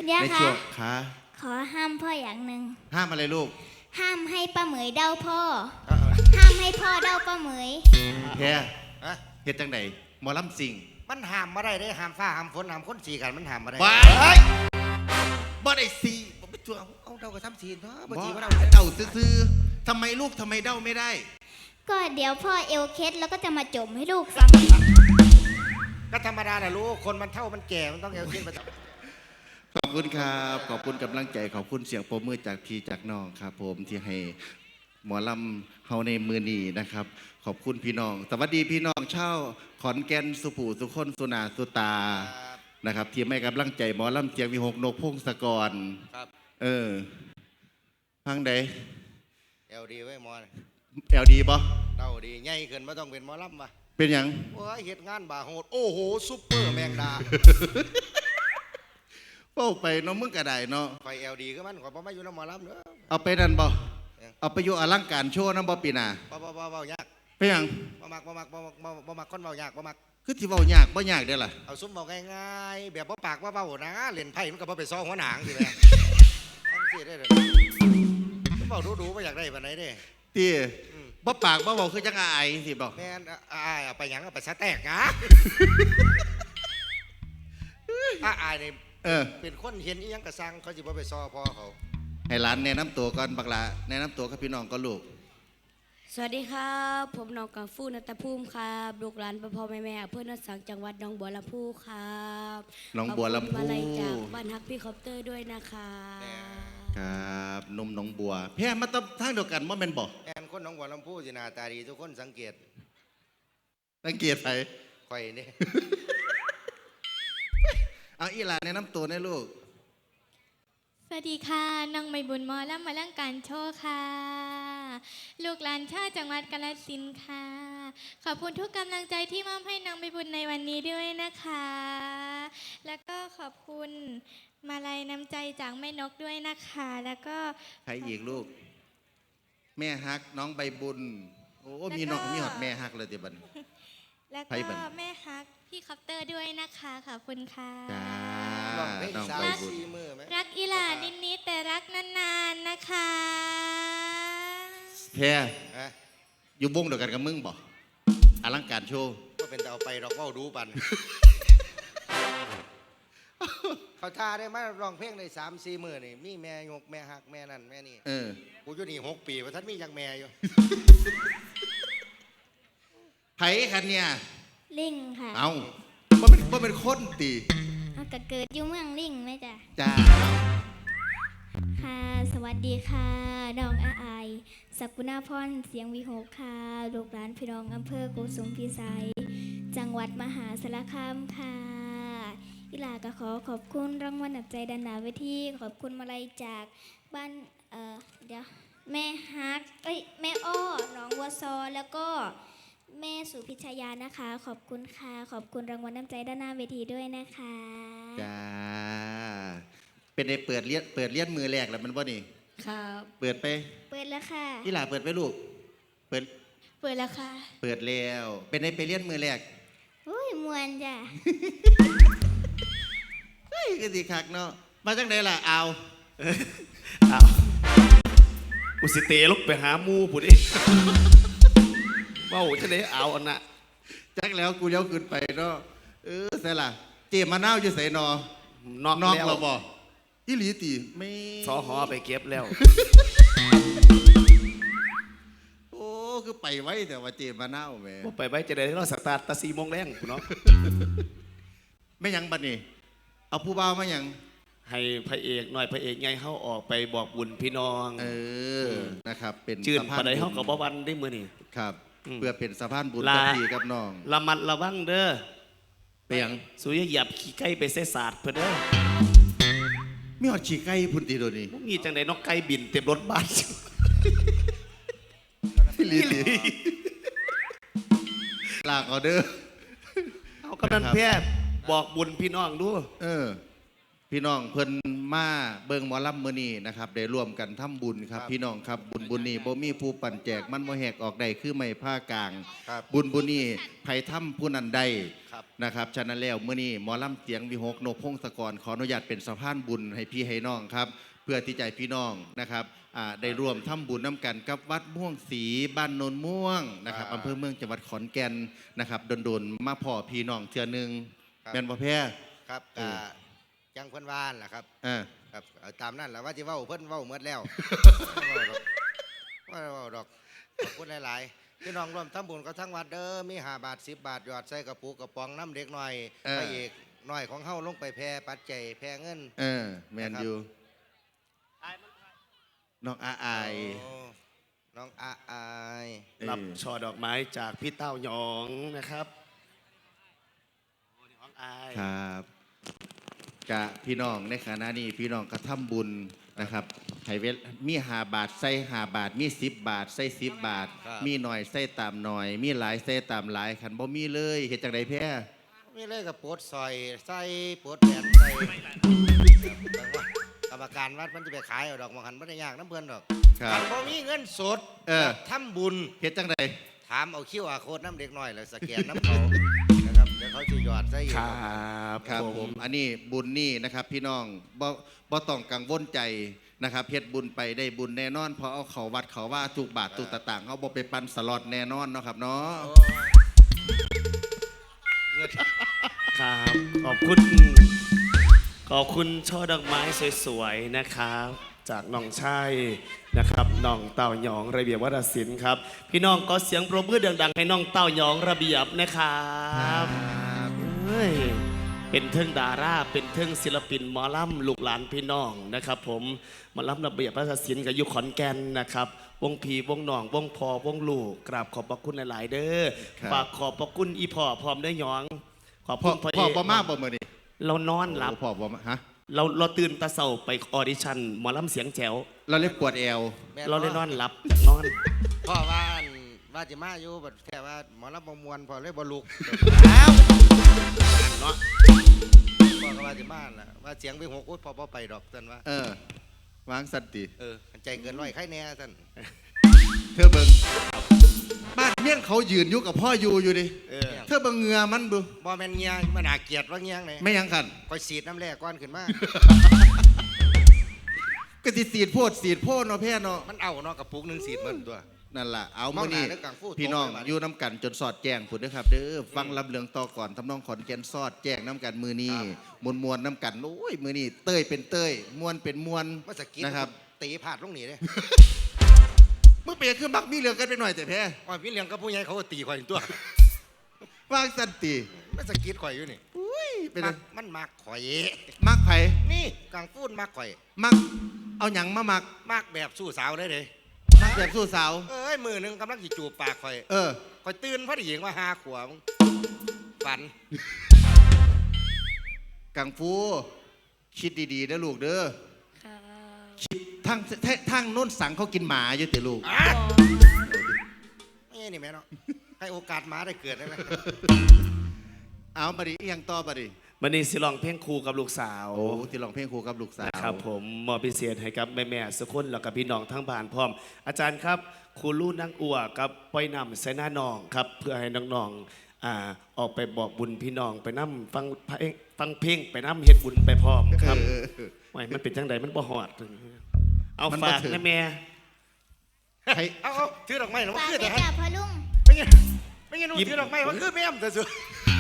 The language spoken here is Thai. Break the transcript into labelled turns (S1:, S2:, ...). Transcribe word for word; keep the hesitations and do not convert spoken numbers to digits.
S1: ย่า
S2: ใน
S1: คะ
S2: ช่วงขา
S1: ขอห้ามพ่ออย่างหนึ่ง
S2: ห้ามอะไรลูก
S1: ห้ามให้ป้าเหมยเด้าพ่อ ห้ามให้พ่อเด้าป้าเหมย
S2: แพ้
S3: ฮะ
S2: เฮ็ดจังไดหมอลำสิง
S3: มันห้ามมาได้ได้ห้ามฟ้าห้ามฝนห้ามคนสีกันมันห้ามมาได้
S2: ว้า
S3: เฮ้
S2: ย
S3: ย
S2: บ่ได้สิ
S3: ตัวเอาเอาเดากับทำสีเนาะบ่
S2: บ่
S3: สีมา
S2: เดา
S3: เดา
S2: เดาซื่อๆทำไมลูกทำไมเดาไม่ได้
S1: ก็เดี๋ยวพ่อเอวเคล็ดแล้วก็จะมาจมให้ลูกฟัง
S3: ก็ธรรมดาแหละลูกคนมันเท่ามันแก่มันต้องเอวขึ้นมา
S2: ขอบคุณครับขอบคุณกำลังใจขอบคุณเสียงปรบมือจากพี่จากน้องครับผมที่ให้หมอลำเฮาในมือนี้นะครับ ขอบคุณพี่น้องสวัสดีพี่น้องชาวขอนแก่นสุผูสุคนสุนาสุตานะครับที่ไม่กำลังใจหมอลำเสียงวิหกนกพงศกร
S3: ครับ
S2: เออพังใด
S3: เอวดีไว้หมอ
S2: แอลดีบ่
S3: เดาดีใหญ่ขึ้นไม่ต้องเป็นหมอลำมา
S2: เป็นหยัง
S3: โอ้ยเหตุงานบาโหดโอ้โหซุปเปอร์แมงดา
S2: เป้าไปเน้องมึงกระไดเนาะ
S3: คอยเอลดีก็มันขอยพ่อไม่อยู่น้ำหมอลำเด้อ
S2: เอาไปนั่นบ่เอาไปอยู่อลังการโชว์น้ำบ่ปีหน้า
S3: บ่บ่บ่บ่ยาก
S2: เป็นหยัง
S3: บ่มักบ่มักบ่มักบ่บ่มักคนเบายากบ่มัก
S2: คือที่เว้ายากบ่ยากเด้อล่ะ
S3: เอาซุ้มเบาง่ายๆแบบบ่ปากบ่เบานะเล่นไพ่มันก็บ่ไปซ้อหัวหนางสิแม่ตั้งสิได้เด้อซุ้มเบาดูๆบ่อยากได้ปานไหนเด้
S2: ที่บ่ปากบ่เว้าคือจังอายสิบ่
S3: แม่นอายเอาไปหยังเอาไปสะแตกนะอาอายนี่
S2: เออ
S3: เป็นคนเห็นอีหยังกระซังเขาสิบ่ไปซ้อพ่อเขา
S2: ให้หลานแนะนำตัวก่อนบักหลาแนะนำตัวกับพี่น้องก็ลูก
S4: สวัสดีครับผมน้องกังฟูนัตภูมิครับลูกหลานพ่อพ่อแม่แม่อำเภอโนนสังจังหวัดหนองบัวลำพูครับ
S2: หนองบัวลำพู
S4: ขอบคุณมาลัยจากบ้านฮักพี่คอปเตอร์ด้วยนะคะ
S2: ครับนมหนองบัวแพ้มาตทางเดียวกันบ่แม่นบ่
S3: แอนคนหนองบัวลำพูสิหน้าตาดีทุกคนสังเกต
S2: สังเกตไผ
S3: ข่อยนี่
S2: เอาอีหลานแนะนำตัวแน่ลูก
S5: สวัสดีค่ะน้องใบบุญมอล่ำมาล่างการโชว์ค่ะ ลูกหลานชาติจังหวัดกาฬสินธุ์ค่ะ ขอบคุณทุกกำลังใจที่มอบให้น้องใบบุญในวันนี้ด้วยนะคะ แล้วก็ขอบคุณมาลัยน้ำใจจากแม่นกด้วยนะคะ แล้วก็
S2: ใครอีกลูก แม่ฮักน้องใบบุญโอ้มีน้องมีหอดแม่ฮักเลยเดี๋ยวบัด
S5: แล้ว
S2: ใคร
S5: ก็
S2: บัด
S5: แม่ฮักพี่คอปเตอร์ด้วยนะคะ ขอบคุณค่ะ
S2: จ้า
S3: ลองเพลง
S2: น้อง
S3: สาว
S2: ใบบุญ
S3: สี่มือไหม
S5: รักอีหลานิดๆแต่รักนานๆนะคะ
S2: แพ้
S3: ฮะ
S2: อยู่วงเดียวกันกับมึงบ่อลังการโชว์
S3: ก็เป็นแต่เอาไปดอกเว้าดูปัน เขาท่าได้มาร้องเพลงในสามสี่มือนี่มีแม่ยกแม่หักแม่นั่นแม่นี่
S2: เออ
S3: กูอยู่นี่หกปีว่าท่านมียังแม่อยู่
S2: ไผคันเนี่ย
S1: ลิงค่ะ
S2: เอาบ่เป็นบ่เป็นคนตี
S1: เอากะเกิดอยู่เมืองลิงไหมจ๊ะ
S2: จ้า
S1: ค่ะ สวัสดีค่ะน้องอาอายสักกุณาพรเสียงวิหกค่ะลูกหลานพี่น้องอำเภอโกสุมพิสัย จังหวัดมหาสารคามค่ะอิลาก็ขอขอบคุณรางวัลน้ำใจดันหนาเวทีขอบคุณมาลัยจากบ้านเอ่อเดี๋ยวแม่ฮักเอ้ยแม่อ้อหนองวัวซอแล้วก็แม่สุพิชยานะคะ ขอบคุณค่ะขอบคุณรางวัลน้ำใจด้านหน้าเวทีด้วยนะคะ
S2: จ้า เป็นไอ้เปิดเลี้ยนเปิดเลี้ยนมือแรกแล้วมันบ่นี่
S4: ครับ
S2: เปิดไป
S1: เปิดแล้วค่ะ
S2: อีหล่าเปิดไปลูก เปิด
S5: เปิดแล้วค่ะ
S2: เปิดแล้ว เป็นไอ้ไปเลี้ยนมือแรก
S1: อุ้ยมวนจ้ะ
S2: เฮ้ยก็สิคักเนาะ มาจังไดล่ะเอา
S6: อ้าวอุสิเตลุกไปหาหมูผู้ดิเว้าจะได้เอาอันน่ะ
S2: จักแล้วกูเลี้ยวขึ้นไปเนาะ เออใส่ล่ะ เจมมะนาวอยู่ใส่นอน
S6: อก
S2: นอก
S6: แล้ว
S2: เราบ่อีหลีติไม่
S6: สอหอไปเก็บแล้ว
S2: โอ้ คือไปไว้แต่ว่าเจมมะนาวแหม
S6: บ่ไปไว้จะได้เราสตาร์ทแตะสี่โมงแรงพุ่นเนาะ
S2: ไม่หยังบัดนี้ เอาผู้บ่าวมาหยัง
S6: ให้พระเอกหน่อยพระเอกใหญ่เฮาออกไปบอกบุญพี่น้อง
S2: เออ นะครับ เป็น
S6: จื่น
S2: สะพา
S6: ปานใดเฮา
S2: บุญ
S6: ก็บ่วันได้มื้อนี้
S2: ครับ
S6: อืม
S2: เพื่อเป็นสะพานบุญ
S6: ลา
S2: กับพี่กับน้อง
S6: ระมัดระวังเด้อ
S2: ไปหยัง
S6: สุยเหยียบขี้ไก่ไปใส่ศาสตร์เพิ่นเด้อ
S2: มีหอดฉีกไก่พุ่นตีโดยวนี้
S6: บ่มีจังได๋นกไก่บินเต็มรถบัส
S2: อีหลีติลากเอาเด้อ
S6: เอากำนันแพทย์บอกบุญพี่น้องดู
S2: เออพี่น้องเพิ่นมาเบิ่งหมอลำมื้อนี้นะครับได้ร่วมกันทำบุญครับพี่น้องครับบุญบุญนี้บ่มีผู้ปั่นแจกมันบ่แหกออกได้คือไม้ผ้ากลาง
S3: ครับ
S2: บุญบุญนี้ไผทำผู้นั้นได้
S3: ครับ
S2: นะครับฉะนั้นแล้วมื้อนี้หมอลำเสียงวิหกนกพงศกรขออนุญาตเป็นสะพานบุญให้พี่ให้น้องครับเพื่อที่ใจพี่น้องนะครับอ่าได้ร่วมทำบุญน้ำกันกับวัดม่วงศรีบ้านโนนม่วงนะครับอำเภอเมืองจังหวัดขอนแก่นนะครับโดนๆมาพ่อพี่น้องเทื่อหนึงแม่นบ่แพ้
S3: ครับ
S2: เออ
S3: อ่าจังเพิ่นว่านล่ะครับ
S2: อ่า
S3: ครับเอาตามนั่นแหละว่าที่เว้าเพิ่นเว้าหมดแล้วว่าเว้าดอกขอบคุณหลายๆพี่น้องร่วมทำบุญกับทั้งวัดเด้อมีห้าบาทสิบบาทยอดใส่กระปุกกระป๋องน้ำเด็กหน่อยพระเอกหน่อยของเฮาลงไปแพร่ปัจจัยแพร่เงิน
S2: เออแม่นอยู่น้องอาอาย
S3: โอ้น้องอาอาย
S6: รับช่อดอกไม้จากพี่เต้าหยองนะครับน้องอาย
S2: ครับกะพี่น้องในขณะนี้พี่น้องก็ทำบุญนะครับให้เวลมีห้าบาทใส่ห้าบาทมีสิบบาทใส่สิบบาท มีหน่อยใส่ตามหน่อย มีหลายใส่ตามหลายขันบ่มีเลยเฮ็ดจังไดแพ้
S3: มีเลยกับปวดซอยใส่ปวดแดดใส่กรรมการวัดมันจะไปขายเอาดอกมังหันไม่ได้ยากน้ำเพื่อนดอก
S2: ครับ
S3: มันพอมีเงินสด
S2: เออ
S3: ทำบุญ
S2: เฮ็ดจังได
S3: ถามเอาคิวอาโค้ดน้ำเด็กน้อยแล้วสแกนน้ำเขานะครับเดี๋ยวเขาจะหยอดใส่อยู่
S6: ครับ
S2: ครับผมอันนี้บุญนี่นะครับพี่น้องบ่บ่ต้องกังวลใจนะครับเฮ็ดบุญไปได้บุญแน่นอนเพราะเอาเขาวัดเขาว่าทุกบาททุกตะต่างเขาบ่ไปปันสล็อตแน่นอนเนาะครับเนาะ
S3: โอ้เงิน
S6: ครับขอบคุณขอบคุณช่อดอกไม้สวยๆนะครับ จากน้องชายนะครับน้องเต้าหยองระเบียบวัฒนศิลป์ครับพี่น้องก็เสียงปรบมือดังๆให้น้องเต้าหยองระเบียบนะครับเอ้ยเป็นเทิงดาราเป็นเทิงศิลปินหมอลำลูกหลานพี่น้องนะครับ ผมหมอลำระเบียบวัฒนศิลป์กับยุคขอนแก่นนะครับวงพีวงหนองวงพอวงลูกกราบขอบพระคุณหลายๆเด้อฝากขอบพระคุณอีพ่อพร้อมได้หยองขอบ
S2: พ่อ
S6: คุณพ่อ
S2: พ่อ
S6: เอก
S2: บ่มาบ่มื้อนี้
S6: เรานอนหลับ
S2: พ่อบ่มาฮะ
S6: เราเราตื่นตาเศร้าไปออดิชั่นหมอลำเสียงแจ๋ว
S2: เราเลยปวดแอว
S3: แม่
S6: เราเลยนอนหลับจากนอน
S3: พ่อว่าอั่นว่าจะมาอยู่แบบแค่ว่าหมอรับบมวนพอเลยบลุก
S6: แล้วเนาะ
S3: พ่อก็ว่าจะมาล่ะว่าเสียงไปหกโอ๊ยพ่อพ่อไปดอกท่านว่า
S2: เออวางสันติ
S3: เออใจเกินร้อยใครแน่ท่าน
S2: เธอเบิ่งบ้านเมี่ยงเขายืนอยู่กับพ่ออยู่อยู่ดิ
S6: เออ
S2: เธอเบิ่งเหงือมันดู
S3: บอแมนเงียมันน่าเกลียดว่าเงียงเลย
S2: ไม่ยังคัน
S3: คอยสีดน้ำแร่ก้อนขึ้นมา
S2: ก็สิสีดโพดสีดโพดเนาะแพ้เนาะ
S3: มันเอาเนาะกระปุกหนึ่งสีดมันตัว
S2: นั่นล่ะเอา
S3: มอง
S2: มื้อนี้
S3: หน้าเด้อกังฟู
S2: พี่น้อง
S3: ตรงเลยบัด
S2: อยู่น้ำกันจนสอดแจ้งพุ่นเด้อครับ เด้อฟังลำเลืองต่อก่อนทำนองขอนแก่นสอดแจ้งน้ำกันมื้อนี้มวนมวนๆน้ำกันโอ้ยมื้อนี้เต้ยเป็นเต้ยมวนเป็นมวน
S3: มาสะกิด
S2: นะครับ
S3: ตีผาดลงหนีเลย
S2: มึงเปลี่ยนคือมักมีเหลืองกันไปหน่อยแต่แพ้
S3: อ๋อพี่เลี้ยงกับผู้ใหญ่เขาก็ตีข่อยตัว
S2: วางสันติ
S3: มาสะกิดข่อยอยู่นี่
S2: อุ้ยเป็น
S3: มักมันมักข่อย
S2: มักไผ
S3: นี่กังฟูนมักข่อย
S2: มักเอาหยังมามัก
S3: มักแบบสู้สาวได้เลย
S2: มักแบบสู้สาว
S3: เอ้ยมือหนึงกำลังจิจูบปากข่อย
S2: เออ
S3: ข่อยตื่นพอดีหญิงว่าหาขวบฝัน
S2: กังฟูคิดดีๆนะลูกเด้อ
S4: ครับ
S2: คิดทั้งทั้งโน้นสังเขากินหมาอยู่แต่ลูก
S3: อ่ะนี่นี่แม่เนาะให้โอกาสหมาได้เกิดได้ไหม
S2: เอาบัดนี้อิหยังต่อบัดนี้
S6: วันนี้สิลองเพลงครูกับลูกสาว
S2: โอ้ที่ร้องเพลงครูกับลูกสาว
S6: นะครับผมมอบพิเศษให้กับแม่แม่ๆสุคนแล้วกับพี่น้องทั้งบ้านพร้อม อาจารย์ครับครูลู่นั่งอัวกับป้อยนำใส่หน้าน้องครับเพื่อให้น้องๆอ่าออกไปบอกบุญพี่น้องไปนั่ฟังเพลงฟังเพลงไปนั่เฮ็ดบุญไปพร้อมครับ
S2: เออ
S6: ไว้มันเป็นจังใดมันบ่หอด เอา
S2: มันบ่
S6: ฝาก
S2: ถึง
S6: นะแม่
S2: ใคร
S3: เอาเอาถือดอกไม้หรือว่า
S1: ฝาก
S3: คือ
S1: ไป
S3: แต่ฮะ
S1: กับพ่อลุง
S3: ไม่ไงไม่ไงหนูถือดอกไม้ว่าคือแม่มแต่สุด